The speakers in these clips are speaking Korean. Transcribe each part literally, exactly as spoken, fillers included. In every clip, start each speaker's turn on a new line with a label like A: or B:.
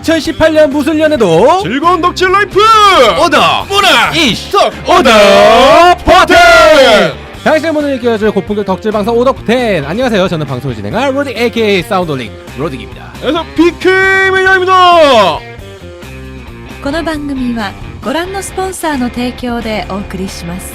A: 이천십팔 년 무술년에도
B: 즐거운 덕질 라이프
A: 오더
B: 문화
A: 이슈
B: 오더 버튼.
A: 당신의 문을 일깨워줄 고품격 덕질 방송 오더 버튼. 안녕하세요, 저는 방송을 진행할 로딕 에이케이 사운드링 로딕입니다.
B: 그래서 비케이 매니아입니다.
C: この番組はご覧のスポンサーの提供でお送りします。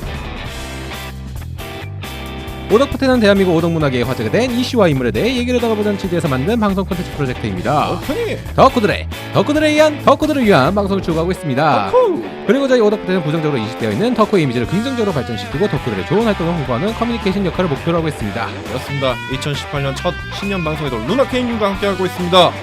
A: 오덕포텐은 대한민국 오덕문화계의 화제가 된 이슈와 인물에 대해 얘기를 나눠보는 취지에서 만든 방송 콘텐츠 프로젝트입니다.
B: 오프닝
A: 덕후들의 덕후들에 의한 덕후들을 위한 방송을 추구하고 있습니다.
B: 덕후.
A: 그리고 저희 오덕포텐은 부정적으로 인식되어 있는 덕후의 이미지를 긍정적으로 발전시키고 덕후들의 좋은 활동을 홍보하는 커뮤니케이션 역할을 목표로 하고 있습니다.
B: 그렇습니다. 이천십팔 년 첫 신년 방송에도 루나케이님과 함께하고 있습니다.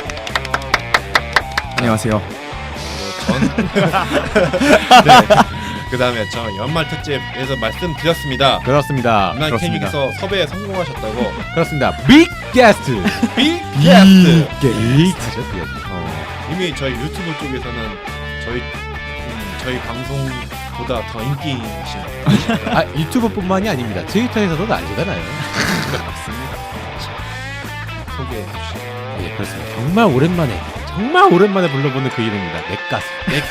D: 안녕하세요.
B: 전 네. 그 다음에 저 연말 특집에서 말씀드렸습니다.
A: 그렇습니다.
B: 루나케이님께서 섭외에 성공하셨다고.
A: 그렇습니다. 빅 게스트.
B: 빅 게스트.
A: 게스트죠.
B: 어, 이미 저희 유튜브 쪽에서는 저희 음, 저희 방송보다 더 인기 있으신.
A: 아, 유튜브뿐만이 아닙니다. 트위터에서도 난리잖아요.
B: 맞습니다. 소개해 주시죠.
A: 예, 그렇습니다. 정말 오랜만에 정말 오랜만에 불러보는 그 이름입니다. 넷가수.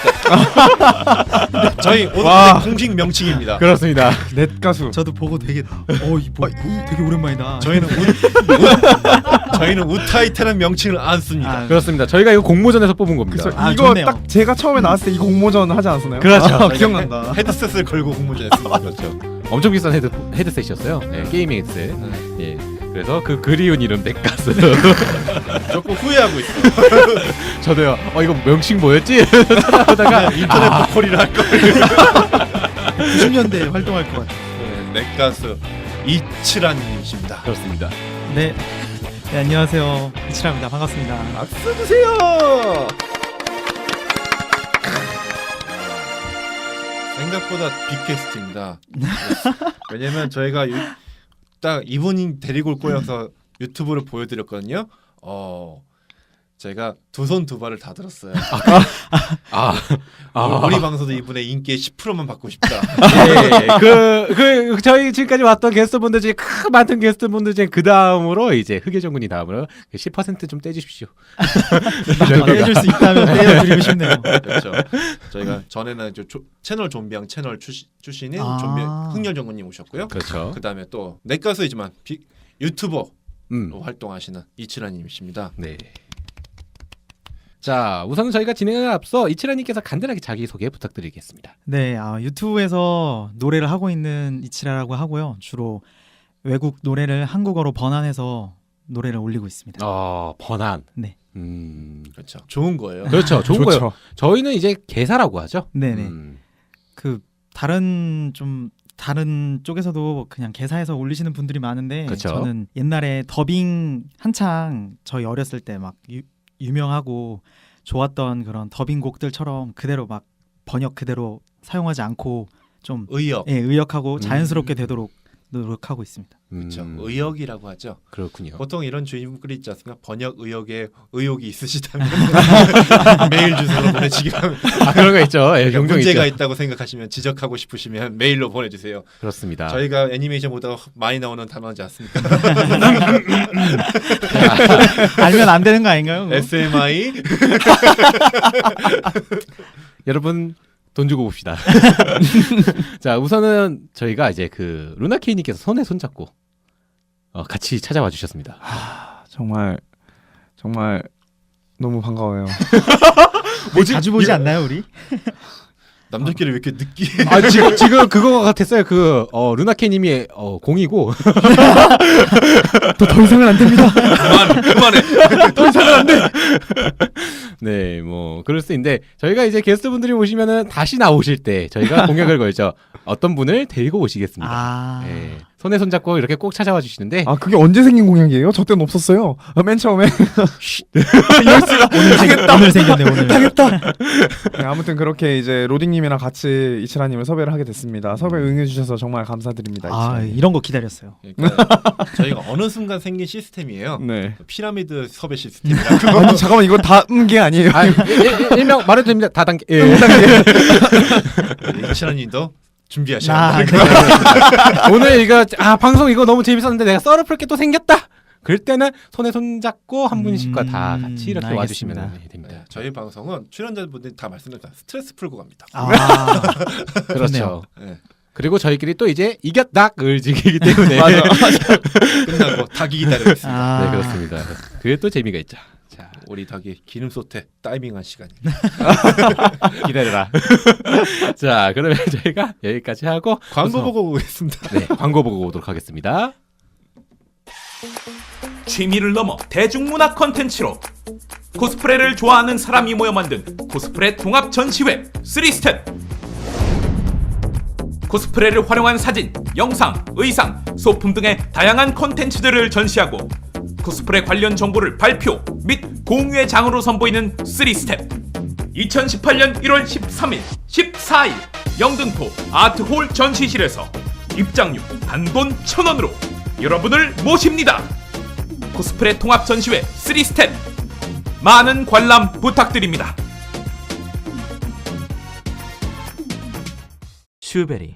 B: 넷가수. 저희 오늘 공식 명칭입니다.
A: 그렇습니다.
D: 넷가수.
E: 저도 보고 되게 어, 이 뭐, 되게 오랜만이다.
B: 저희는 우, 우, 저희는 우타이테는 명칭을 안 씁니다.
E: 아,
A: 그렇습니다. 저희가 이거 공모전에서 뽑은 겁니다.
D: 그래서
E: 아,
D: 이거
E: 좋네요.
D: 딱 제가 처음에 나왔을 때 이 공모전 하지 않았나요?
A: 그렇죠.
D: 아, 기억난다.
B: 헤드셋을 걸고 공모전했습니다.
A: 그렇죠. 엄청 비싼 헤드 헤드셋이었어요. 예, 게이밍 헤드셋. 예. 그래서 그 그리운 이름 넷가수.
B: 조금 후회하고 있어요.
A: 저도요. 어 이거 명칭 뭐였지? 찾아보다가
B: 인터넷 보컬이라 할 걸.
E: 구십 년대에 활동할 것 같아요.
B: 네, 넷가수 이치란님이십니다.
A: 그렇습니다.
E: 네. 네, 안녕하세요. 이치라입니다. 반갑습니다.
B: 박수 주세요. 생각보다 빅캐스트입니다. 왜냐면 저희가 유, 딱 이분이 데리고 올 거여서 유튜브를 보여드렸거든요. 어, 제가 두 손 두 발을 다 들었어요.
A: 아, 아,
B: 우리 방송도 이분의 인기의 십 퍼센트만 받고 싶다.
A: 예, 그, 그, 저희 지금까지 왔던 게스트분들 중에 크 많던 게스트분들 중에 그 다음으로 이제 흑예정군이 다음으로 십 퍼센트 좀 떼주십시오.
E: 해줄 수 있다면 떼어드리고 싶네요.
B: 그렇죠. 저희가 전에는 저 조, 채널 좀비양 채널 출시, 출신인
E: 아.
B: 좀비 흑열정군님 오셨고요.
A: 그렇죠.
B: 그 다음에 또 넷가수이지만 빅, 유튜버로
A: 음.
B: 활동하시는 이치라님이십니다.
A: 네. 자, 우선 저희가 진행을 앞서 이치라님께서 간단하게 자기소개 부탁드리겠습니다.
E: 네, 아, 유튜브에서 노래를 하고 있는 이치라라고 하고요. 주로 외국 노래를 한국어로 번안해서 노래를 올리고 있습니다.
A: 어, 번안.
E: 네.
A: 음.
B: 그렇죠. 좋은 거예요.
A: 그렇죠. 좋은
D: 좋죠.
A: 거예요. 저희는 이제 개사라고 하죠.
E: 네네.
A: 음.
E: 그 다른 좀 다른 쪽에서도 그냥 개사해서 올리시는 분들이 많은데
A: 그쵸.
E: 저는 옛날에 더빙 한창 저희 어렸을 때 막 유명하고 좋았던 그런 더빙 곡들처럼 그대로 막 번역 그대로 사용하지 않고 좀
B: 의역.
E: 예, 의역하고 자연스럽게
A: 음.
E: 되도록 노력하고 있습니다.
B: 그렇죠.
A: 음.
B: 의역이라고 하죠.
A: 그렇군요.
B: 보통 이런 주인분들이 있지 않습니까? 번역 의역에 의혹이 있으시다면 메일 주소로 보내주시기 바랍니다.
A: 아, 그런 거 있죠. 예, 종종
B: 문제가
A: 있죠.
B: 있다고 생각하시면 지적하고 싶으시면 메일로 보내주세요.
A: 그렇습니다.
B: 저희가 애니메이션 보다가 많이 나오는 단어지 않습니까?
E: 알면 안 되는 거 아닌가요? 그거?
B: 에스엠아이
A: 여러분 돈 주고 봅시다. 자, 우선은 저희가 이제 그 루나케이님께서 손에 손잡고 어, 같이 찾아와 주셨습니다.
D: 아, 정말 정말 너무 반가워요.
E: 뭐지? 자주 보지 않나요, 우리?
B: 남자끼리 왜 이렇게 느끼?
A: 아, 지금 지금 그거 같았어요. 그 어, 루나케이님이 어, 공이고
D: 더, 더 이상은 안 됩니다.
B: 그만 그만해.
A: 더 이상은 안 돼. 네, 뭐 그럴 수 있는데 저희가 이제 게스트분들이 오시면은 다시 나오실 때 저희가 공약을 걸죠. 어떤 분을 데리고 오시겠습니다.
E: 아,
A: 네, 손에 손잡고 이렇게 꼭 찾아와 주시는데
D: 아 그게 언제 생긴 공약이에요? 저 때는 없었어요. 아, 맨 처음에
E: 오늘, 생, 오늘 생겼네 오늘.
D: 네, 아무튼 그렇게 이제 로딩님이랑 같이 이치라님을 섭외를 하게 됐습니다. 섭외 응해주셔서 정말 감사드립니다.
E: 아,
D: 이치라님.
E: 이런 거 기다렸어요.
B: 그러니까 저희가 어느 순간 생긴 시스템이에요.
D: 네.
B: 피라미드 섭외 시스템이라고.
D: 아니 잠깐만 이거 다 음 게 아니에요.
A: 아, 일, 일, 일명 말해도 됩니다. 다단계. 예.
B: 이치라님도 준비하셔야
E: 아,
B: 돼요.
E: 네.
A: 오늘 이거 아 방송 이거 너무 재밌었는데 내가 썰을 풀 게 또 생겼다. 그럴 때는 손에 손 잡고 한
E: 음,
A: 분씩과 다 같이 이렇게
E: 알겠습니다.
A: 와주시면 됩니다.
B: 네, 저희 방송은 출연자분들이 다 말씀드렸다 스트레스 풀고 갑니다.
E: 아,
A: 그렇죠.
B: 네.
A: 그리고 저희끼리 또 이제 이겼닥을 즐기기 때문에
B: 맞아, 맞아. 끝나고 닭이 기다리고 있습니다.
E: 아.
A: 네 그렇습니다. 그게 또 재미가 있죠. 자
B: 우리 닭이 기름 솥에 다이빙한 시간이.
A: 기다려라. 자 그러면 저희가 여기까지 하고
B: 광고
A: 우선-
B: 보고 오겠습니다.
A: 네 광고 보고 오도록 하겠습니다.
F: 취미를 넘어 대중문화 콘텐츠로 코스프레를 좋아하는 사람이 모여 만든 코스프레 통합 전시회 쓰리 스텝. 코스프레를 활용한 사진, 영상, 의상, 소품 등의 다양한 콘텐츠들을 전시하고 코스프레 관련 정보를 발표 및 공유의 장으로 선보이는 쓰리 스텝. 이천십팔 년 일월 십삼일, 십사일 영등포 아트홀 전시실에서 입장료 단돈 천 원으로 여러분을 모십니다. 코스프레 통합 전시회 쓰리 스텝 많은 관람 부탁드립니다. 슈베리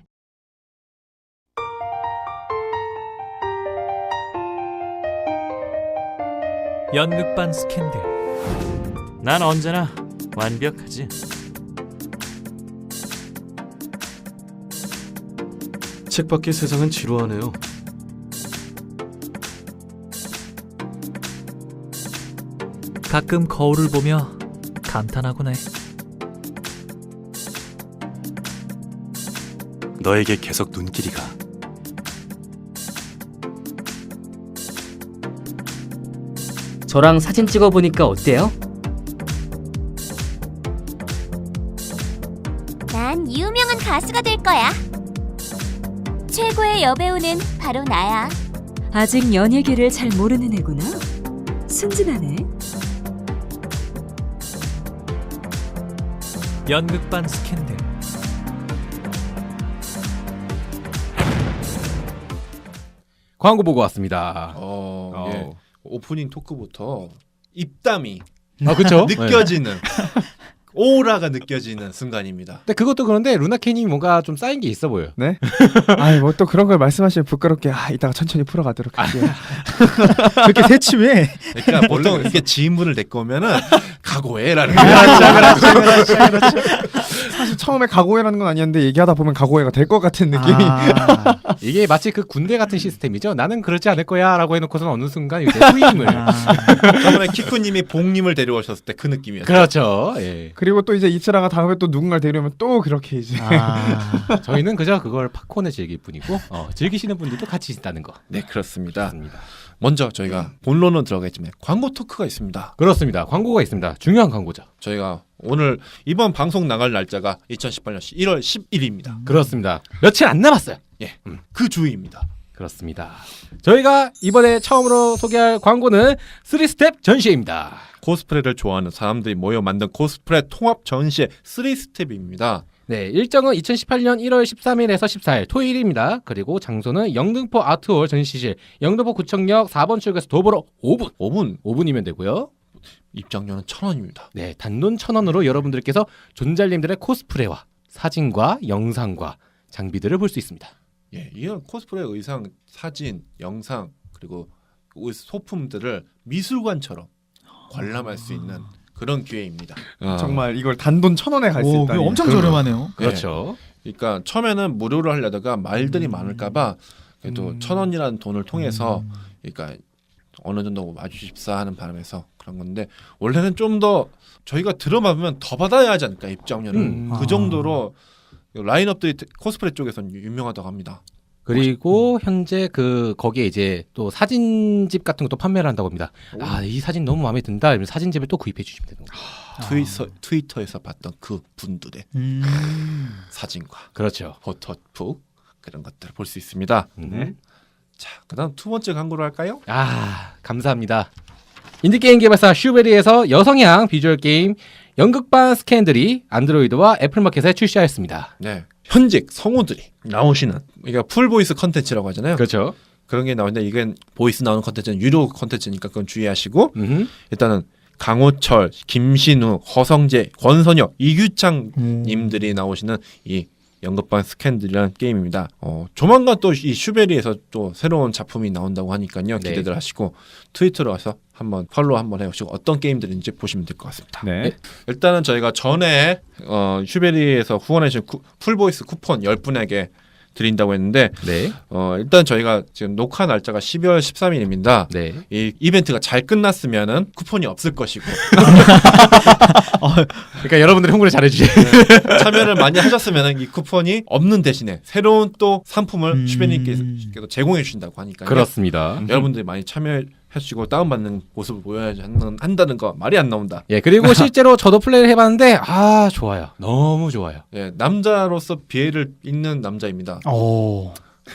G: 연극반 스캔들. 난 언제나 완벽하지.
H: 책밖의 세상은 지루하네요.
G: 가끔 거울을 보며 감탄하곤 해.
H: 너에게 계속 눈길이 가.
I: 저랑 사진 찍어보니까 어때요?
J: 난 유명한 가수가 될 거야. 최고의 여배우는 바로 나야.
C: 아직 연예계를 잘 모르는 애구나. 순진하네.
G: 연극반 스캔들.
A: 광고 보고 왔습니다.
B: 어,
A: 어.
B: 예. 오프닝 토크부터 입담이
A: 아 그렇죠.
B: 느껴지는 오라가 느껴지는 순간입니다.
A: 근데 그것도 그런데 루나케님이 뭔가 좀 쌓인 게 있어 보여요.
D: 네? 아이 뭐 또 그런 걸 말씀하시면 부끄럽게 아 이따가 천천히 풀어가도록 할게요.
E: 그렇게 새침해.
B: 그러니까 보통 이게 지인분을 데리고 오면은 각오해라는
D: 사실 처음에 각오해라는 건 아니었는데 얘기하다 보면 각오해가 될 것 같은 느낌이.
E: 아,
A: 이게 마치 그 군대 같은 시스템이죠. 나는 그러지 않을 거야라고 해놓고서는 어느 순간 이제 후임을.
E: 아.
B: 저번에 키쿠님이 봉님을 데려오셨을 때 그 느낌이었어요.
A: 그렇죠. 예.
D: 그리고 또 이제 이치라가 다음에 또 누군가를 데려오면 또 그렇게 이제
E: 아.
A: 저희는 그저 그걸 팝콘에 즐길 뿐이고 어, 즐기시는 분들도 같이 있다는 거.
B: 네 그렇습니다.
A: 그렇습니다.
B: 먼저 저희가 본론은 들어가겠지만 광고 토크가 있습니다.
A: 그렇습니다. 광고가 있습니다. 중요한 광고죠.
B: 저희가 오늘 이번 방송 나갈 날짜가 이천십팔 년 일월 십일입니다.
A: 그렇습니다. 며칠 안 남았어요.
B: 예, 그 주입니다.
A: 그렇습니다. 저희가 이번에 처음으로 소개할 광고는 쓰리 스텝 전시회입니다.
B: 코스프레를 좋아하는 사람들이 모여 만든 코스프레 통합 전시회 쓰리 스텝입니다.
A: 네, 일정은 이천십팔 년 일월 십삼일에서 십사일 토요일입니다. 그리고 장소는 영등포 아트홀 전시실 영등포 구청역 사 번 출구에서 도보로 오 분.
B: 오 분
A: 오 분이면 되고요.
B: 입장료는 천 원입니다.
A: 네, 단돈 천 원으로 여러분들께서 존잘님들의 코스프레와 사진과 영상과 장비들을 볼 수 있습니다.
B: 예, 이런 코스프레 의상, 사진, 영상 그리고 소품들을 미술관처럼 관람할 수 있는 그런 기회입니다.
D: 정말 이걸 단돈 천 원에 갈 수
E: 오,
D: 있다.
E: 그거 엄청 저렴하네요.
A: 그렇죠.
B: 그러니까 처음에는 무료로 하려다가 말들이 많을까봐 그래도
D: 음.
B: 천 원이라는 돈을 통해서
E: 음.
B: 그러니까 어느 정도 와주십사 하는 바람에서 그런 건데 원래는 좀 더 저희가 들어봐보면 더 받아야 하지 않을까 입장료를
A: 음.
B: 그
E: 아.
B: 정도로 라인업들이 코스프레 쪽에서는 유명하다고 합니다.
A: 그리고 현재 그 거기에 이제 또 사진집 같은 것도 판매를 한다고 합니다. 아, 이 사진 너무 마음에 든다. 이러면 사진집을 또 구입해 주시면 되는 거예요.
B: 트위터, 트위터에서 봤던 그 분들의
E: 음.
B: 사진과
A: 그렇죠.
B: 포토북 그런 것들을 볼 수 있습니다.
A: 음.
B: 자, 그다음 두 번째 광고로 할까요?
A: 아, 감사합니다. 인디게임 개발사 슈베리에서 여성향 비주얼 게임 연극반 스캔들이 안드로이드와 애플마켓에 출시하였습니다.
B: 네, 현직 성우들이 나오시는 이게 풀 보이스 컨텐츠라고 하잖아요.
A: 그렇죠.
B: 그런 게 나오는데 이건 보이스 나오는 컨텐츠는 유료 컨텐츠니까 그건 주의하시고
A: 음흠.
B: 일단은 강호철, 김신우, 허성재, 권선혁, 이규창
E: 음.
B: 님들이 나오시는 이 연극반 스캔들이라는 게임입니다. 어, 조만간 또 이 슈베리에서 또 새로운 작품이 나온다고 하니까요.
A: 네.
B: 기대들 하시고 트위터로 와서 한번 팔로우 한번 해보시고 어떤 게임들인지 보시면 될 것 같습니다.
D: 네.
B: 일단은 저희가 전에 어, 슈베리에서 후원해주신 쿠, 풀보이스 쿠폰 열 분에게 드린다고 했는데
A: 네.
B: 어, 일단 저희가 지금 녹화 날짜가 십이월 십삼일입니다.
A: 네.
B: 이 이벤트가 잘 끝났으면은 쿠폰이 없을 것이고
A: 그러니까 여러분들이 홍보를 잘해주세요.
B: 네, 참여를 많이 하셨으면은 이 쿠폰이 없는 대신에 새로운 또 상품을
E: 음.
B: 슈베님께서 제공해 주신다고 하니까요.
A: 그렇습니다.
B: 여러분들이 많이 참여해 주시고 다운받는 모습을 보여야 하는, 한다는 거 말이 안 나온다.
A: 예, 그리고 실제로 저도 플레이를 해봤는데 아 좋아요. 너무 좋아요.
B: 예, 남자로서 비애를 잇는 남자입니다.
E: 오.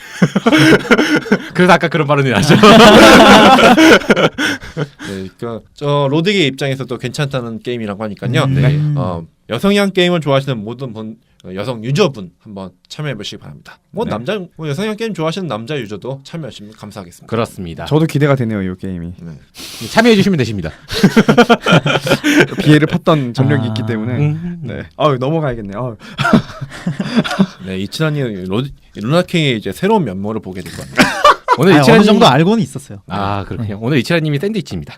A: 그래서 아까 그런 발언이 나죠.
B: 네, 그, 저 로드기 입장에서도 괜찮다는 게임이라고 하니까요.
E: 음.
B: 네, 어, 여성향 게임을 좋아하시는 모든 분, 어, 여성 유저분 한번 참여해 보시기 바랍니다. 뭐
D: 네.
B: 남자, 뭐 여성향 게임 좋아하시는 남자 유저도 참여하시면 감사하겠습니다.
A: 그렇습니다.
D: 저도 기대가 되네요, 이 게임이.
B: 네.
A: 참여해주시면 되십니다.
D: 비애를 팠던 전력이
E: 아.
D: 있기 때문에.
A: 음.
D: 네. 아, 넘어가야겠네요. 아유.
B: 네, 이치라님 루나킹의 이제 새로운 면모를 보게 될 겁니다.
A: 오늘
E: 아니,
A: 이치라님
E: 어느 정도 알고는 있었어요.
A: 아 그렇군요. 오늘 이치라님이 샌드위치입니다.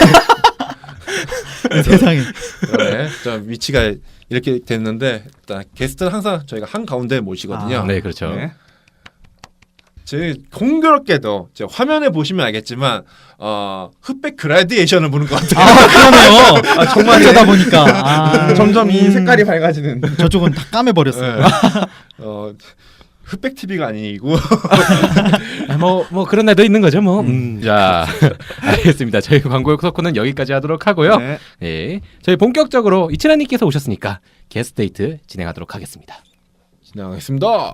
E: 세상에.
B: 네, 저 위치가 이렇게 됐는데 일단 게스트는 항상 저희가 한 가운데 모시거든요.
E: 아.
A: 네 그렇죠.
D: 네.
B: 제 공교롭게도 제 화면에 보시면 알겠지만 어, 흑백 그라디에이션을 보는 것 같아요.
E: 아 그러네요.
D: 아, 정말
E: 그러다 보니까 아,
D: 점점 이
E: 음,
D: 색깔이 밝아지는.
E: 저쪽은 다 까매 버렸어요.
B: 네. 어, 흑백 티비가 아니고
A: 뭐뭐 뭐 그런 날도 있는 거죠 뭐. 음. 자 알겠습니다. 저희 광고의 코너는 여기까지 하도록 하고요.
D: 네.
A: 예, 저희 본격적으로 이치라님께서 오셨으니까 게스트 데이트 진행하도록 하겠습니다.
B: 진행하겠습니다.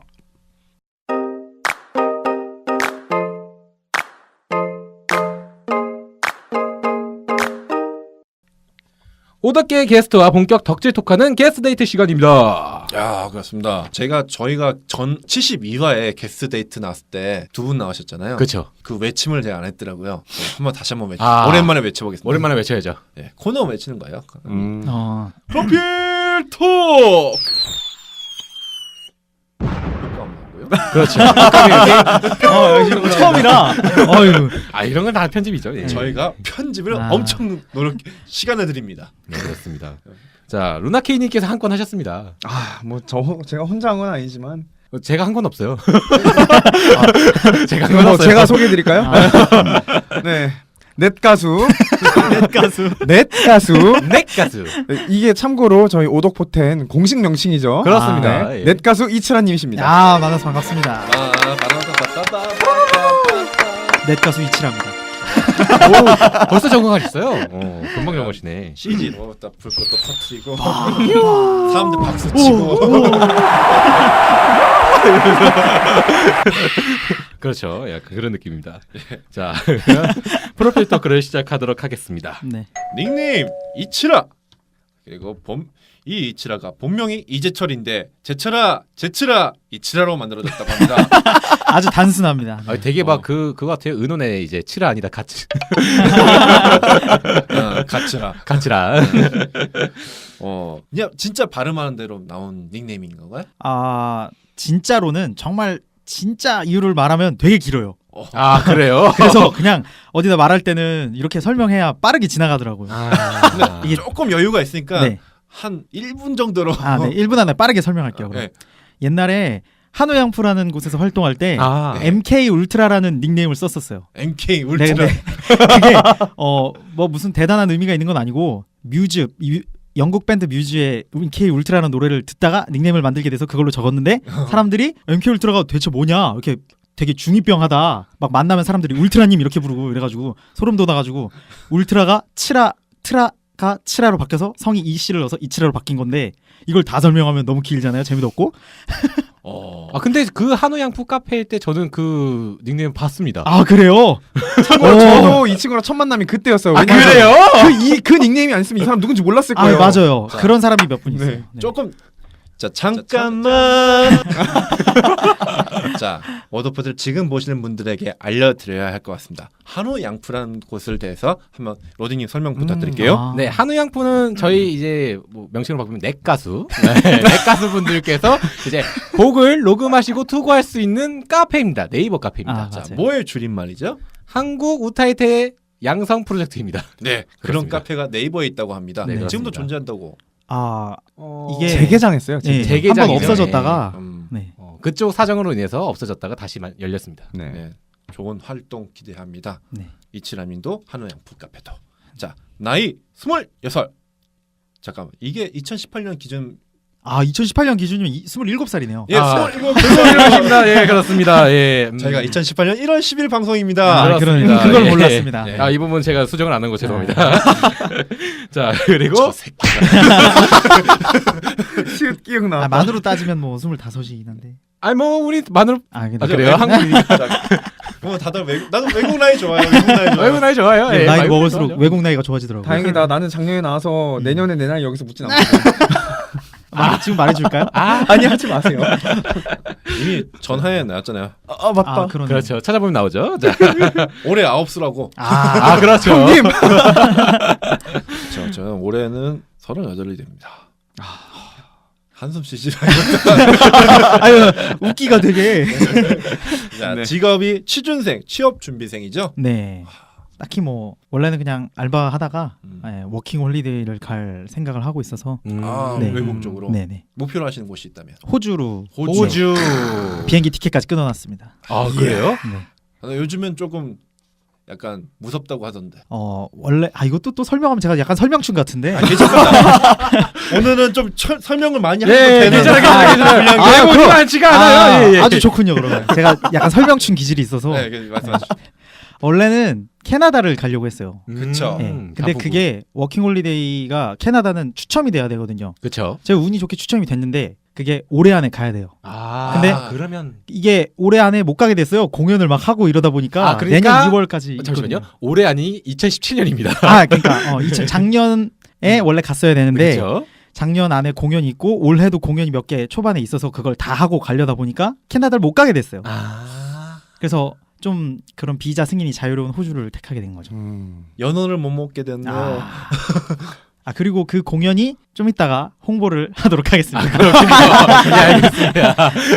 A: 오덕계의 게스트와 본격 덕질 토크하는 게스트 데이트 시간입니다.
B: 야, 그렇습니다. 제가 저희가 전 칠십이 화에 게스트 데이트 나왔을 때 두 분 나오셨잖아요.
A: 그렇죠.
B: 그 외침을 제가 안 했더라고요. 네, 한번 다시 한번 외치.
A: 아.
B: 오랜만에 외쳐보겠습니다.
A: 오랜만에 외쳐야죠.
B: 네, 코너 외치는 거예요.
A: 음.
E: 어.
B: 프로필 톡. 효과 없나고요?
A: 그렇죠.
E: 어, 처음이라. 어유.
A: 아 이런 건 다 편집이죠. 예.
B: 저희가 편집을
E: 아.
B: 엄청 노력 시간을 드립니다.
A: 네, 그렇습니다. 자 루나케이님께서 한 건 하셨습니다.
D: 아, 뭐 저 제가 혼자 한 건 아니지만.
A: 어, 제가 한 건 없어요.
D: 아,
A: 제가 한
D: 뭐
A: 건 없어요.
D: 제가 소개해 드릴까요?
E: 아.
D: 네. 넷 가수.
E: 넷 가수.
D: 넷 가수.
A: 넷 가수.
D: 네, 이게 참고로 저희 오덕포텐 공식 명칭이죠.
A: 그렇습니다.
D: 네.
A: 예.
D: 넷 가수 이치라 님이십니다.
E: 아 만나서 반갑습니다.
B: 아, 바라바라바라바라.
E: 넷 가수 이치랍니다.
A: 오, 벌써 적응하셨어요. 어, 금방 적응하시네.
B: 씨지로 딱 불꽃도 터트리고 사람들 박수 치고
A: 그렇죠. 약간 그런 느낌입니다. 자 프로필 토크를 시작하도록 하겠습니다.
E: 네.
B: 닉네임 이치라. 그리고 본, 이 이치라가 본명이 이재철인데 제철아 제철아 이치라로 만들어졌다고 합니다.
E: 아주 단순합니다.
A: 아, 되게
B: 어.
A: 막 그 그거 같아요. 은혼의 이제 치라 아니다 같이
B: 어, 가츠라.
A: 같이라.
B: 어, 그냥 진짜 발음하는 대로 나온 닉네임인 건가요?
E: 아 진짜로는 정말 진짜 이유를 말하면 되게 길어요.
B: 어.
A: 아 그래요?
E: 그래서 그냥 어디다 말할 때는 이렇게 설명해야 빠르게 지나가더라고요.
A: 아,
B: 이게 조금 여유가 있으니까
E: 네.
B: 한 일 분 정도로
E: 아, 네. 일 분 안에 빠르게 설명할게요. 그럼.
B: 네.
E: 옛날에 한우양푸라는 곳에서 활동할 때
A: 아,
E: 엠케이 울트라라는 닉네임을 썼었어요.
B: 엠케이
E: 네,
B: 울트라.
E: 근데 그게 어 뭐 무슨 대단한 의미가 있는 건 아니고 뮤즈 뮤, 영국 밴드 뮤즈의 엠케이 울트라라는 노래를 듣다가 닉네임을 만들게 돼서 그걸로 적었는데 사람들이 엠케이 울트라가 대체 뭐냐 이렇게 되게 중이병하다 막 만나면 사람들이 울트라님 이렇게 부르고 이래가지고 소름 돋아가지고 울트라가 치라 트라가 치라로 바뀌어서 성이 이씨를 넣어서 이치라로 바뀐 건데 이걸 다 설명하면 너무 길잖아요. 재미도 없고.
B: 어.
A: 아 근데 그 한우양푸 카페일 때 저는 그 닉네임 봤습니다.
E: 아 그래요?
D: 참고로 저도 이 친구랑 첫 만남이 그때였어요.
A: 아
D: 왜냐면
A: 그래요?
D: 그, 이, 그 닉네임이 안 쓰면 이 사람 누군지 몰랐을
E: 아
D: 거예요.
E: 맞아요.
B: 자.
E: 그런 사람이 몇 분 있어요.
D: 네.
E: 네.
B: 조금 자 잠깐만 자, 워드오프를 지금 보시는 분들에게 알려드려야 할 것 같습니다. 한우 양푸라는 곳을 대해서 한번 로딩님 설명 부탁드릴게요.
E: 아.
A: 네, 한우 양푸는 저희 이제 뭐 명칭으로 바꾸면 넷가수, 네, 넷가수 분들께서 이제 곡을 녹음하시고 투고할 수 있는 카페입니다. 네이버 카페입니다.
E: 아,
B: 자,
E: 맞아요.
B: 뭐의 줄임말이죠?
A: 한국 우타이테 양성 프로젝트입니다.
B: 네, 그런
A: 그렇습니다.
B: 카페가 네이버에 있다고 합니다.
A: 네,
B: 지금도
A: 그렇습니다.
B: 존재한다고.
E: 아
A: 어...
E: 이게
D: 재개장했어요.
E: 네,
D: 재개장.
A: 재개장이죠.
E: 한번 없어졌다가
B: 음,
E: 네.
A: 어, 그쪽 사정으로 인해서 없어졌다가 다시 마- 열렸습니다.
D: 네.
B: 네, 좋은 활동 기대합니다.
E: 네.
B: 이치라님도 한우 양푸 카페도. 자, 나이 스물여섯. 잠깐만, 이게 이천십팔 년 기준.
E: 아 이천십팔 년 기준이면 이- 스물일곱 살이네요.
B: 예,
A: 아.
B: 스물일곱.
A: 그렇습니다. 예, 그렇습니다. 예, 음.
B: 저희가 이천십팔 년 일월 십일 방송입니다.
E: 아,
A: 그렇습니다.
E: 그걸
A: 예.
E: 몰랐습니다.
B: 네.
A: 아, 이 부분 제가 수정을 안 한 거 죄송합니다. 자, 그리고
B: 저 새끼가.
D: 시읒 기억나.
E: 아, 만으로 따지면 뭐 스물다섯이긴 한데.
A: 아니 뭐 우리 마늘
E: 아, 근데
A: 아, 그래요? 한국이니까
B: 그럼 다들 외국, 나도 외국 나이 좋아요. 외국 나이 좋아요.
A: 외국 나이 좋아요.
E: 네,
A: 예,
E: 나이
A: 외국
E: 먹을수록
A: 좋아하죠.
E: 외국 나이가 좋아지더라고요.
D: 다행이다. 나는 작년에 나와서
E: 음.
D: 내년에 내 나이 여기서 묻진 않아.
E: 아, 지금 말해줄까요?
A: 아,
D: 아니 하지 마세요.
B: 이미 전화에 나왔잖아요.
D: 아 맞다.
E: 아, 그러네.
A: 그렇죠. 찾아보면 나오죠. 자,
B: 올해 아홉 수라고.
E: 아,
A: 아 그렇죠.
D: 형님.
B: 저, 저는 올해는 서른여덟이 됩니다. 한숨 쉬지
E: 아유, 웃기가 되게.
B: 자,
D: 네.
B: 직업이 취준생, 취업 준비생이죠.
E: 네. 딱히 뭐 원래는 그냥 알바 하다가
B: 음.
E: 예, 워킹 홀리데이를 갈 생각을 하고 있어서
A: 음,
B: 아,
E: 네.
B: 외국 쪽으로
E: 네네
B: 목표로 하시는 곳이 있다면.
E: 호주로
B: 호주.
E: 비행기 티켓까지 끊어놨습니다.
A: 아 그래요?
E: 네.
B: 아, 요즘엔 조금 약간 무섭다고 하던데.
E: 어 원래 아 이것도 또 설명하면 제가 약간 설명충 같은데.
B: 아, 괜찮습니다. 오늘은 좀 철, 설명을 많이 하면
A: 예,
B: 되는
A: 괜찮아, 괜찮아, 괜찮아.
E: 아,
A: 예, 뭐
E: 그럼-
A: 많지가
E: 아,
A: 않아요. 예, 예.
E: 아주 좋군요 그러면. 제가 약간 설명충 기질이 있어서
B: 네, 그 말씀하시죠.
E: 원래는 캐나다를 가려고 했어요.
B: 그쵸.
E: 네.
A: 음,
E: 근데
A: 단풍구.
E: 그게 워킹 홀리데이가 캐나다는 추첨이 돼야 되거든요.
A: 그렇죠.
E: 제가 운이 좋게 추첨이 됐는데 그게 올해 안에 가야 돼요.
A: 아,
E: 근데
A: 그러면
E: 이게 올해 안에 못 가게 됐어요. 공연을 막 하고 이러다 보니까
A: 아, 그러니까-
E: 내년 이월까지
A: 어, 잠시만요. 올해 아니 이천십칠 년입니다.
E: 아 그러니까 어, 이천 작년에 원래 갔어야 되는데
A: 그렇죠.
E: 작년 안에 공연이 있고 올해도 공연이 몇 개 초반에 있어서 그걸 다 하고 가려다 보니까 캐나다를 못 가게 됐어요.
A: 아,
E: 그래서 좀 그런 비자 승인이 자유로운 호주를 택하게 된 거죠.
B: 연어를 못 먹게 됐네요.
E: 아, 아 그리고 그 공연이 좀 이따가 홍보를 하도록 하겠습니다.
A: 네, 알겠습니다.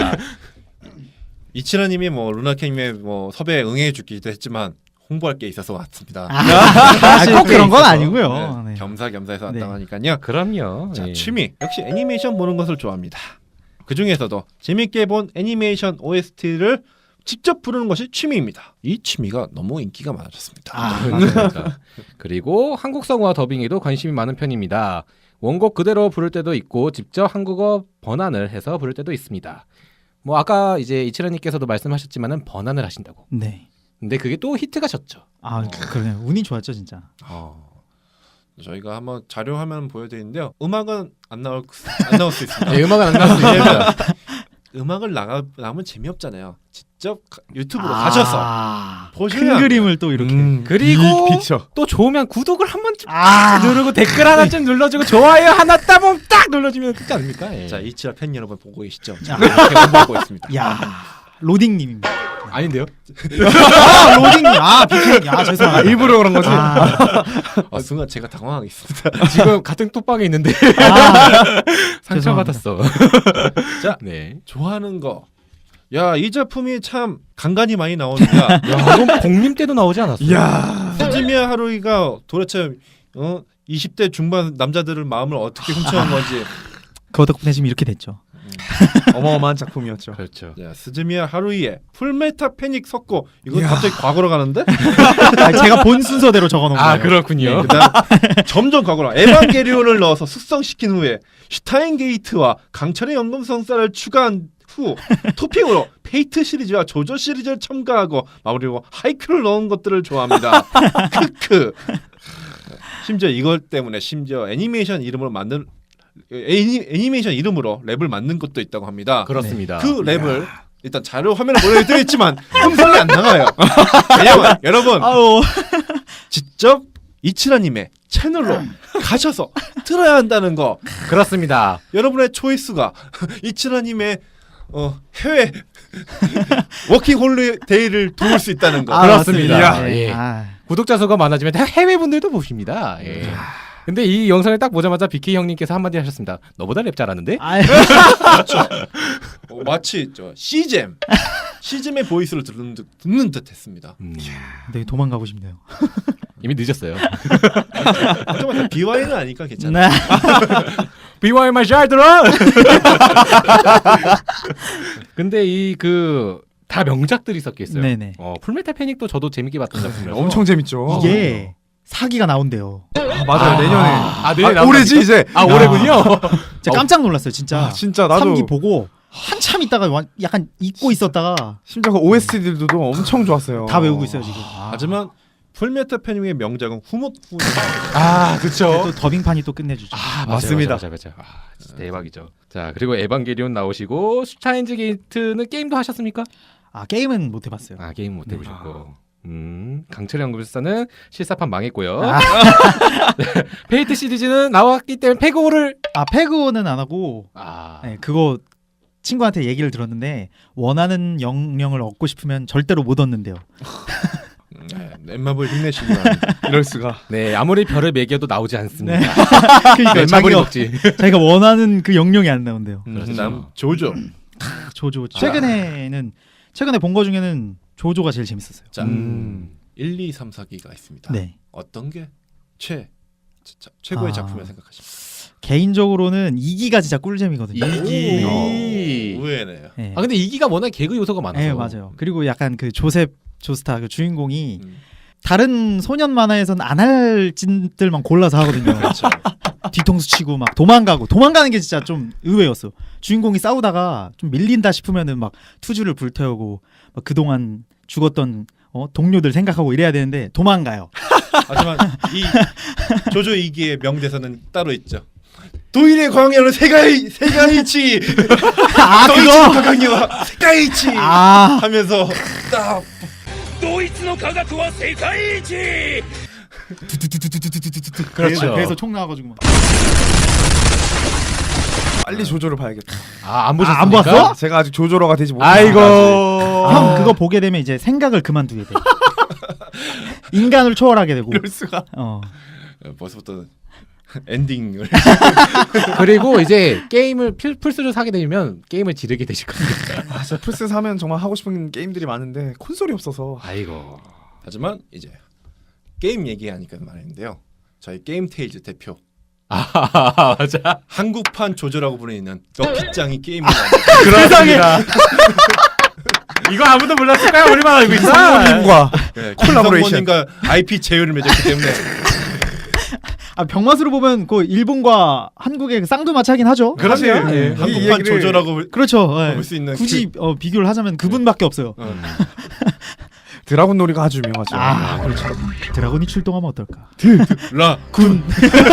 B: 이치라님이 뭐 루나케님의 뭐 섭외에 응해주기도 했지만 홍보할 게 있어서 왔습니다.
E: 아, 꼭 그런 건 아니고요.
B: 네,
E: 네.
B: 겸사겸사해서
E: 네.
B: 왔다고 하니까요.
A: 그럼요.
B: 자,
A: 예.
B: 취미 역시 애니메이션 보는 것을 좋아합니다. 그 중에서도 재밌게 본 애니메이션 오에스티를 직접 부르는 것이 취미입니다. 이 취미가 너무 인기가 많아졌습니다.
E: 아,
A: 맞습니다. 그리고 한국성화 더빙에도 관심이 많은 편입니다. 원곡 그대로 부를 때도 있고 직접 한국어 번안을 해서 부를 때도 있습니다. 뭐 아까 이제 이치라님께서도 말씀하셨지만은 번안을 하신다고.
E: 네.
A: 근데 그게 또 히트가 셨죠.
E: 아 그러네. 운이 좋았죠 진짜.
B: 어, 저희가 한번 자료 화면 보여드리는데요. 음악은 안 나올 안 나올 수 있습니다.
A: 네, 음악은 안 나왔습니다.
B: 음악을 나가 나면 재미없잖아요. 직접 가- 유튜브로
E: 아,
B: 가셔서 보셔야
E: 큰
B: 합니다.
E: 그림을 또 이렇게.
D: 음,
A: 그리고
D: 이 픽처.
A: 또 좋으면 구독을 한 번쯤
E: 아
A: 누르고 댓글 하나 좀 눌러주고 좋아요 하나 따봉 딱 눌러주면 끝지 않습니까? 예.
B: 자, 이치라 팬 여러분 보고 계시죠?
E: 야.
B: 이렇게 홍보하고 있습니다.
E: 야 로딩님입니다.
A: 아닌데요?
E: 아 로딩님 아 비키님 아 죄송합니다.
D: 일부러 그런 거지.
E: 아,
B: 아, 순간 제가 당황하겠습니다.
A: 지금 같은 톡방에 있는데
E: 아,
A: 상처받았어.
B: 자,
A: 네.
B: 좋아하는 거. 야, 이 작품이 참 간간히 많이 나오니까.
A: 야, 이건 공림 때도 나오지 않았어?
D: 이야.
B: 스즈미야 하루이가 도대체 어? 이십 대 중반 남자들의 마음을 어떻게 훔쳐간 건지.
E: 그 덕분에 지금 이렇게 됐죠.
D: 어마어마한 작품이었죠.
A: 그렇죠.
B: 자, 스즈미야 하루이의 풀메타 패닉 섞고 이건
D: 이야.
B: 갑자기 과거로 가는데?
E: 아, 제가 본 순서대로 적어놓은
A: 아
E: 거예요.
A: 그렇군요.
B: 그다음 점점 과거로 에반게리온을 넣어서 숙성시킨 후에 슈타인게이트와 강철의 연금성사를 추가한 후 토핑으로 페이트 시리즈와 조조 시리즈를 첨가하고 마무리로 하이큐를 넣은 것들을 좋아합니다. 크크. 심지어 이걸 때문에 심지어 애니메이션 이름으로 만든 애니, 애니메이션 이름으로 랩을 만든 것도 있다고 합니다.
A: 그렇습니다.
B: 그 랩을 일단 자료 화면을 보여드리겠지만 음성이 안 나가요. 왜냐면 여러분
E: 아우
B: 직접 이치라님의 채널로 가셔서 들어야 한다는 거.
A: 그렇습니다.
B: 여러분의 초이스가 이치라님의 어, 해외 워킹 홀리데이를 도울 수 있다는 거.
E: 아,
A: 그렇습니다.
E: 맞습니다.
A: 예.
E: 아,
A: 구독자 수가 많아지면 해외 분들도 보십니다. 예. 근데 이 영상을 딱 보자마자 비케이 형님께서 한마디 하셨습니다. 너보다 랩 잘하는데?
E: 아,
B: 어, 마치 저 시잼 시잼의 보이스를 듣는 듯, 듣는 듯했습니다.
A: 음,
E: 네, 도망가고 싶네요.
A: 이미 늦었어요.
B: 하지만 비와이는 아니까 괜찮아.
E: 네.
A: 비와이 말 잘 들어. 근데 이 그 다 명작들이 섞여 있어요.
E: 네네.
A: 어, 풀메탈 패닉도 저도 재밌게 봤던 작품이라서
D: 엄청 재밌죠.
E: 이게 사기가 나온대요.
D: 아, 맞아요.
A: 아,
D: 내년에.
A: 아, 내년에
D: 아, 올해지
A: 나온다니까?
D: 이제.
A: 아, 올해군요.
E: 진짜 깜짝 놀랐어요, 진짜.
D: 아, 진짜 나도
E: 삼 기 보고 한참 있다가 완- 약간 잊고 있었다가
D: 심지어 그 오에스티들도 엄청 좋았어요.
E: 다 외우고 있어요 지금. 아.
B: 하지만 풀메탈 패닉의 명작은 후모후.
A: 아, 그렇죠.
E: 또 더빙판이 또 끝내주죠.
A: 아,
D: 맞습니다.
A: 맞아, 맞아, 맞아. 아, 진짜 대박이죠. 자, 그리고 에반게리온 나오시고 슈타인즈 게이트는 게임도 하셨습니까?
E: 아 게임은 못 해봤어요.
A: 아, 게임 못 해보셨고. 음, 강철의 연구술사는 실사판 망했고요.
E: 아.
A: 네, 페이트 시리즈는 나왔기 때문에 패고를
E: 아 패그는 안 하고
A: 아,
E: 네, 그거 친구한테 얘기를 들었는데 원하는 영령을 얻고 싶으면 절대로 못 얻는데요.
B: 네, 넷마블 힘내시기 바랍니다.
D: 이럴 수가.
A: 네, 아무리 별을 매겨도 나오지 않습니다.
E: 네. 그러니까
A: 넷마블이
E: 자기가,
A: 먹지.
E: 자기가 원하는 그 영령이 안 나온대요.
A: 그렇죠.
B: 남 조조.
E: 조조 최근에는 최근에 본 거 중에는 조조가 제일 재밌었어요.
B: 자,
A: 음.
B: 일, 이, 삼, 사 기가 있습니다.
E: 네.
B: 어떤 게 최, 자, 최고의
E: 아.
B: 작품이라 생각하십니까?
E: 개인적으로는 이 기가 진짜 꿀잼이거든요.
A: 이기.
B: 오, 의외네요.
E: 네.
A: 아, 근데 이기가 워낙 개그 요소가 많아서.
E: 네, 맞아요. 그리고 약간 그 조셉 조스타 그 주인공이
B: 음.
E: 다른 소년 만화에서는 안 할 짓들만 골라서 하거든요.
B: 그렇죠.
E: 뒤통수 치고 막 도망가고 도망가는 게 진짜 좀 의외였어. 주인공이 싸우다가 좀 밀린다 싶으면은 막 투주를 불태우고 막 그동안 죽었던 어, 동료들 생각하고 이래야 되는데 도망가요.
B: 하지만 이 조조 이기의 명대사는 따로 있죠. 도일의 광야는 세가이 세가이치.
E: 아 그거.
B: 강이와 세가이치.
E: 아
B: 하면서 딱
A: 그렇죠.
E: 그래서 총 나와가지고 막.
D: 빨리 조조를 봐야겠다.
A: 아, 안 보셨습니까?
E: 안 봤어?
D: 제가 아직 조조로가 되지 못했어요.
A: 아이고.
E: 형 그거 보게 되면 이제 생각을 그만두게 돼. 인간을 초월하게 되고.
D: 이럴 수가.
E: 어.
B: 벌써부터 엔딩을.
A: 그리고 이제 게임을 필- 플스를 사게 되면 게임을 지르게 되실 겁니다.
D: 아, 저 플스 사면 정말 하고 싶은 게임들이 많은데 콘솔이 없어서.
A: 아이고.
B: 하지만 이제 게임 얘기하니까 말인데요. 저희 게임 테일즈 대표
A: 아, 맞아.
B: 한국판 조조라고 불리는 럭키짱이 게임을
A: 그렇습니다. 이거 아무도 몰랐을까요? 우리만 알고 있어.
D: 상모님과
B: 네,
D: 콜라보레이션.
B: 김성모님과 아이피 제휴를 맺었기 때문에
E: 아 병맛으로 보면 그 일본과 한국의 그 쌍두마차긴 하죠.
D: 그러네요.
E: 사실.
D: 예.
E: 예.
B: 한국판
D: 이 얘기를-
B: 조조라고 볼-
E: 그렇죠. 예.
B: 볼 수 있는
E: 굳이 어, 비교를 하자면 그분밖에 없어요.
B: 그, 어.
D: 드라군 놀이가 아주 유명하죠.
E: 아 그렇죠. 드라곤이 출동하면 어떨까?
B: 라
E: 군.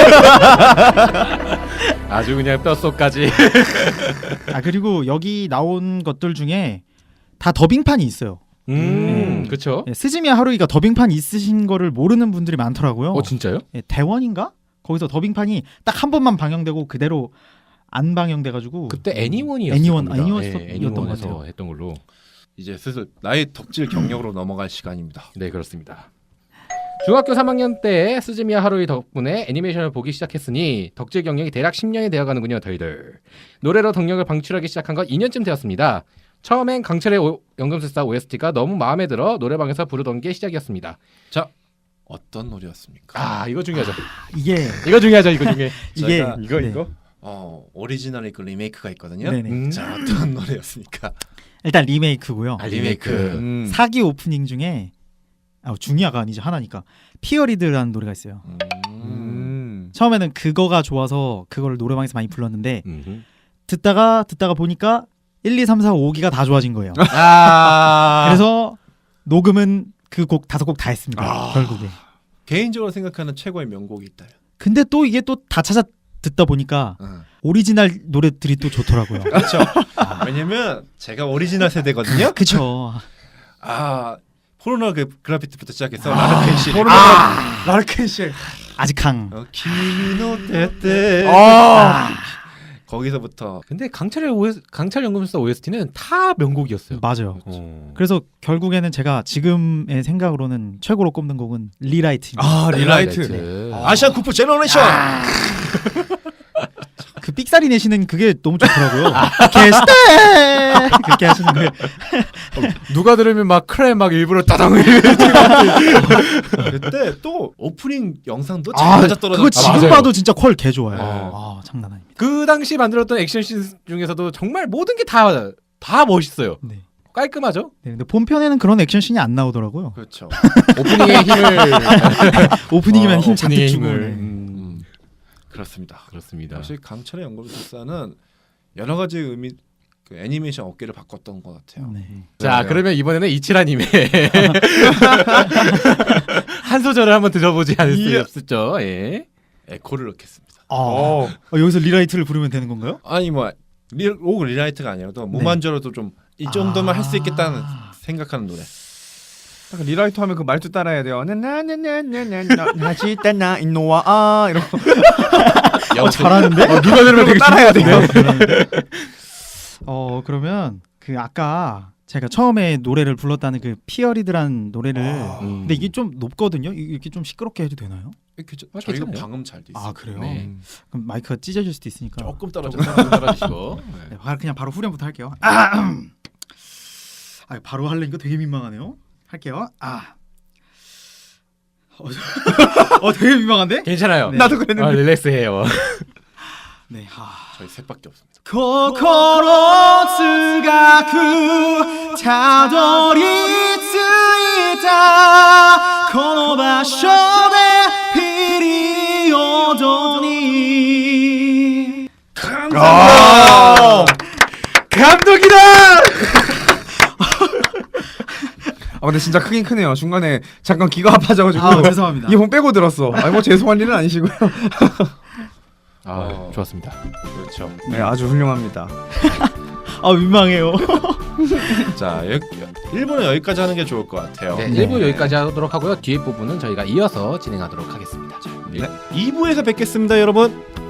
A: 아주 그냥 뼛속까지.
E: 아 그리고 여기 나온 것들 중에 다 더빙판이 있어요.
A: 음,
E: 음.
A: 그렇죠.
E: 예, 스즈미야 하루이가 더빙판 있으신 거를 모르는 분들이 많더라고요.
A: 어, 진짜요?
E: 예, 대원인가? 거기서 더빙판이 딱 한 번만 방영되고 그대로 안 방영돼가지고
A: 그때 애니원이었어요.
E: 애니원, 애니원이었던 것
A: 애니원에서
E: 같아요.
A: 했던 걸로.
B: 이제 슬슬 나의 덕질 경력으로 넘어갈 시간입니다.
A: 네, 그렇습니다. 중학교 삼 학년 때 스즈미야 하루이 덕분에 애니메이션을 보기 시작했으니 덕질 경력이 대략 십 년이 되어가는군요, 저희들. 노래로 덕력을 방출하기 시작한 건 이 년쯤 되었습니다. 처음엔 강철의 오, 연금술사 오에스티가 너무 마음에 들어 노래방에서 부르던 게 시작이었습니다.
B: 자, 어떤 노래였습니까?
A: 아, 이거 중요하죠.
E: 이게
A: 이거 중요하죠, 이거 중에.
E: 이게
B: 저희가
A: 이거
E: 네.
A: 이거.
B: 어, 오리지널이 그 리메이크가 있거든요.
E: 네네.
A: 음.
B: 자, 어떤 노래였습니까?
E: 일단 리메이크고요.
A: 아, 리메이크.
D: 음.
E: 사기 오프닝 중에 아, 중야가 아니죠 하나니까 피어리드라는 노래가 있어요.
B: 음.
D: 음.
E: 처음에는 그거가 좋아서 그거를 노래방에서 많이 불렀는데
A: 음흠.
E: 듣다가 듣다가 보니까 일, 이, 삼, 사, 오 기가 다 좋아진 거예요.
A: 아.
E: 그래서 녹음은 그 곡 다섯 곡 다 했습니다.
B: 아.
E: 결국에.
B: 개인적으로 생각하는 최고의 명곡이 있다요.
E: 근데 또 이게 또 다 찾아 듣다 보니까
B: 어.
E: 오리지널 노래들이 또 좋더라고요.
B: 그렇죠. 왜냐면 제가 오리지널 세대거든요.
E: 그쵸.
B: 아, 포르노 그 그래피티부터 시작해서 라르켄시.
D: 아, 라르켄시.
E: 아직 강.
B: 어, 키노 때때.
A: 아.
B: 거기서부터
A: 근데 강철의 오에스, 강철 연금술사 오에스티는 다 명곡이었어요.
E: 맞아요.
A: 어.
E: 그래서 결국에는 제가 지금의 생각으로는 최고로 꼽는 곡은 리라이트입니다.
D: 아 리라이트.
A: 리라이트.
B: 아시안 쿠프 제너레이션.
E: 그 삑사리 내시는 그게 너무 좋더라고요. 게스트 그렇게 하시는 거.
A: 누가 들으면 막 크레 막 일부러 따당
B: 그때 또 오프닝 영상도 잘
E: 아,
B: 맞아 떨어졌.
E: 그거 지금
A: 맞아요.
E: 봐도 진짜 퀄 개 좋아요.
A: 어.
E: 아, 장난 아닙니다.
A: 그 당시 만들었던 액션씬 중에서도 정말 모든 게 다 다 멋있어요.
E: 네.
A: 깔끔하죠?
E: 네, 근데 본편에는 그런 액션씬이 안 나오더라고요.
B: 그렇죠.
A: 오프닝의 힘을
E: 오프닝이면
B: 어,
E: 힘 잔뜩
A: 오프닝의
E: 주고.
A: 힘을
E: 네.
A: 음,
B: 그렇습니다.
A: 그렇습니다.
B: 역시 강철의 연금술사는 여러 가지 의미 그 애니메이션 업계를 바꿨던 것 같아요.
E: 네.
A: 자,
B: 맞아요.
A: 그러면 이번에는 이치라님의 한 소절을 한번 들어보지 않을 수
B: 이야.
A: 없었죠. 예.
B: 에코를 넣겠습니다.
E: 아, 어, 여기서 리라이트를 부르면 되는 건가요?
B: 아니 뭐 리, 꼭 리라이트가 아니라도 무만저로도 좀 이 정도만 할 수 있겠다는
E: 아.
B: 생각하는 노래.
D: 약간 리라이트 하면 그 말투 따라해야 돼요. 나나나나나나 하지다나 인노와 아 이런 거.
E: 어, 잘하는데?
A: 어, 누가 들으면 되게
D: 따라해야 돼요.
E: 어 그러면 그 아까 제가 처음에 노래를 불렀다는 그 피어리드란 노래를
A: 음.
E: 근데 이게 좀 높거든요. 이- 이렇게 좀 시끄럽게 해도 되나요?
B: 이렇게 저,
A: 아,
B: 저희가
A: 괜찮아요.
B: 방음 잘 돼 있어요.
E: 아 그래요?
A: 네.
E: 그럼 마이크가 찢어질 수도 있으니까
B: 조금 떨어져.
A: 조금 떨어지시고.
E: 네, 바- 그냥 바로 후렴부터 할게요. 아, 아 바로 하려니까 되게 민망하네요. 할게요. 아, 어, 어 되게 민망한데?
A: 괜찮아요.
E: 네.
D: 나도 그랬는데.
A: 아, 릴렉스해요.
E: 네. 하.
B: 저희 셋밖에 없습니다.
E: 心つがくたどり着いたこの場所でピリオドに
D: 아,
A: 감독이다!
D: 아 근데 진짜 크긴 크네요. 중간에 잠깐 귀가 아파져가지고
E: 아 죄송합니다.
D: 이번 빼고 들었어. 아니 뭐 죄송한 일은 아니시고요.
A: 아,
B: 어.
A: 좋았습니다.
B: 그렇죠.
D: 네 아주 훌륭합니다.
E: 아 민망해요.
B: 자, 여, 일 부는 여기까지 하는 게 좋을 것 같아요.
A: 네, 일 부 여기까지 하도록 하고요. 뒤에 부분은 저희가 이어서 진행하도록 하겠습니다. 자,
B: 네. 이 부에서 뵙겠습니다, 여러분.